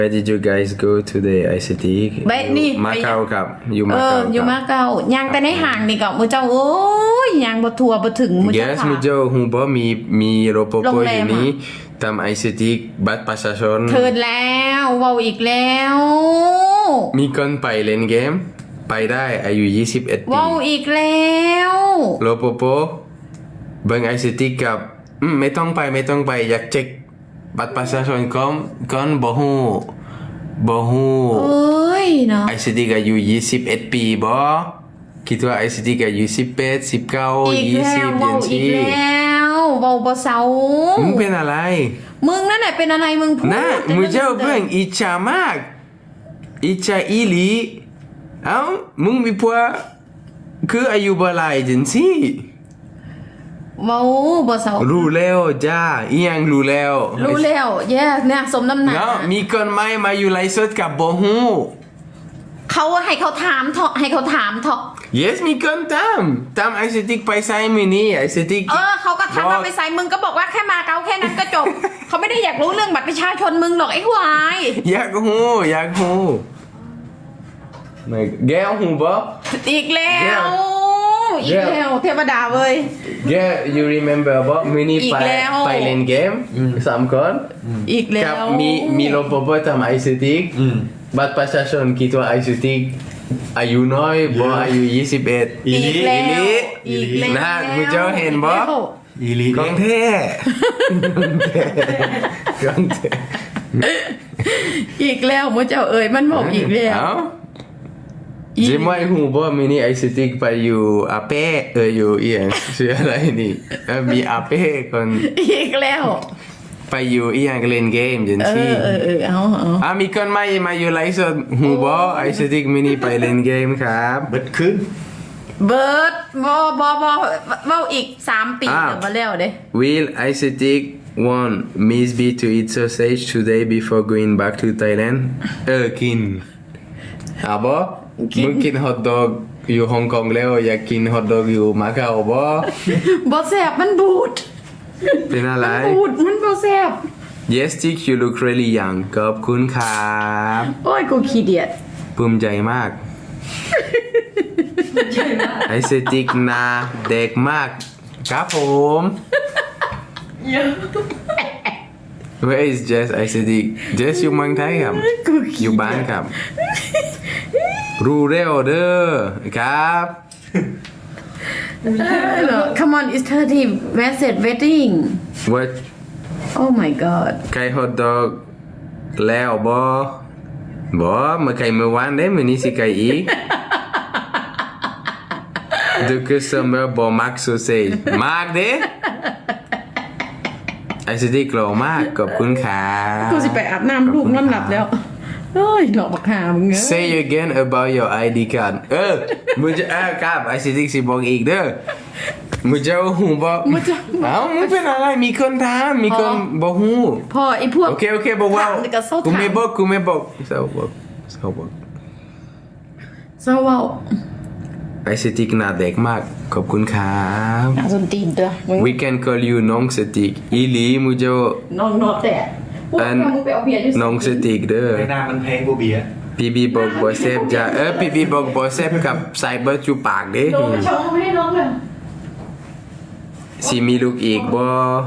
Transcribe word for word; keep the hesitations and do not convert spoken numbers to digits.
Where did you guys go today ไอซิตี้ไปนี่มาเก๊าครับอยู่เอมาอเก๊าอยู่มาเก๊ายังแต่ในห่างนี่ก็มือเจ้าโอ้ยยังบ่ทัวบ่ถึงมือเจ้า Yes ค่ะมือเจ้าฮู้บ่มีมีรปภโรงอแรมยู่นี่อะตามไอซิตี้บัตรประชาชนเทิดแล้วเว้าอีกแล้วมีคนไปเล่นเกม ไปได้อายุยี่สิบเอ็ดปีเว้าอีกแล้วรปภเบิ่งไอซิตี้กับอืมไม่ต้องไปไม่ต้องไปอยากเช็คบัตรประชาชนก่อนก่อนบ่ฮู้บ่ฮู้เอ้ยเนาะไอซิตี้ก็อายุยี่สิบเอ็ดปีบ่คิดว่าไอซิตี้ก็อายุสิบแปด สิบเก้าอีกยี่แล้สิวบเว้าจังอีกซี่แล้วเว้าบ่เซามึงเป็นอะไรมึงนั่นแหละเป็นอะไรมึงพูดนะมึงเจ้าเบิ่งอิจฉามากอิจฉาอีหลีเอ้ามึงมีผัวคืออายุบ่หลายจังซี่เว้าบ่เซารู้แล้วจ้าอีหยังรู้แล้วรู้แล้วแย่เนี่ยสมน้ำหน้าเนาะมีคนใหม่มาอยู่ไลฟ์สดกับบ่ฮู้เขาให้เขาถามเถอะให้เขาถามเถอะ yes มีคนตามตามไอซิติกไปไซมินี่ไอซิติกเออเขาก็ถามว่าไปใส่มึงก็บอกว่าแค่มาเกาแค่นั้นก็จบ เขาไม่ได้อยากรู้เรื่องบัตรประชาชนมึงหรอกไอ้ควายอยากฮู้อยากฮู้ไม่แกฮู้บ่อีกแล้วเดี๋อียวกแล้วเทวดาเว้ยแก you remember บ่มินี่อีกไปแล้วไปเล่นเกมสามคนอีกแล้กับวมีมีรปภทำไอซิติกบัตรประชาชนคิดว่าไอซิติกอายุน้อยบ่อายุยี่สิบเอ็ดอีกแล้วอีหลีอีกแล้วนะมึงเจ้าเห็นบ่อีลีกองเท่กองเท่อีกแล้วมึงเจ้าเอ๋ยมันบอกอีกแล้วเอ้าอีกจิไม่หูบ่มินิไอซิติกไปอยู่อาเป้เอออยู่เอียงชื่ออะไรนี่เออมีอาเป้คนอีกแล้วไปอยู่เอียงเล่นเกมจังเอซี่อเออเออเอาเอาอ่ะมีคนใหม่มาอยู่ไลฟ์สดหูบ่ไอซิติกมินิไปเล่นเกมครับเบิดขึ้นเบิร์ดบอบอบอเว้าอีกสามปีอ้าวเดี๋ยวมาแล้วเด้ Will Icetic want Miss B to eat sausage today before going back to Thailand เออกินอ่ะบ่มึงกินฮอทดอกอยู่ฮ่องกงแล้วอยากกินฮอทดอกอยู่มาเก๊าบ่บอแซบมันบูดเป็นอะไรบูดมันบอแซบ Yes Tick you look really young ขอบคุณครับโอ้ยกูขี้เดียดภูมิใจมากไอเซติกนาเด็กมากครับผม Where is Jess ไอเซติก Jess อยู่เมืองไทยครับกูขี้อยู่บ้านครับ รู้เร็วเด้อครับเหรอ Come on it's thirty message waiting What Oh my god ไก่ฮอทดอกแล้วบ่บ่เมื่อไก่เมื่อวานเด้มื้อนี้สิไก่อีก The customer บ่มัก sausage มากเด้ไอซิตี้โกรมากขอบคุณครับกูสิไปอาบน้ำลูกนอนหลับแล้วเฮ้ยดอกบักหามึงเอ้ย Say again about your ไอ ดี card เออมึงจะเออครับไอซิตี้สิบอกอีกเด้อมึงจะหูบอกมึงจะเอ้ามึงเป็นอะไรมีคนถามมีคนบอกหูพอไอ้พวกโอเคโอเคบอกว่าถามแต่ก็เศร้ากูไม่ถามบอกกูไม่บอกเศร้าบอกเศร้าบอกเศร้าเว้าไอซิตี้หน้าเด็กมากขอบคุณครับหาสนตีนตัวมึง We can call you น้องสติกอีหลีมึงจะน้องนอแต่พวกอันมึงไปเอาเบียร์ที่น้องสติกเด้อไม่น่ามันแพงกว่าเบียร์พี่บีบอกบอเซฟจะเออพี่บีบอกบอเซฟกับไซเบอร์จูปากเด้น้องชงไม่ให้น้องเลยสิมีลูกอีกบ่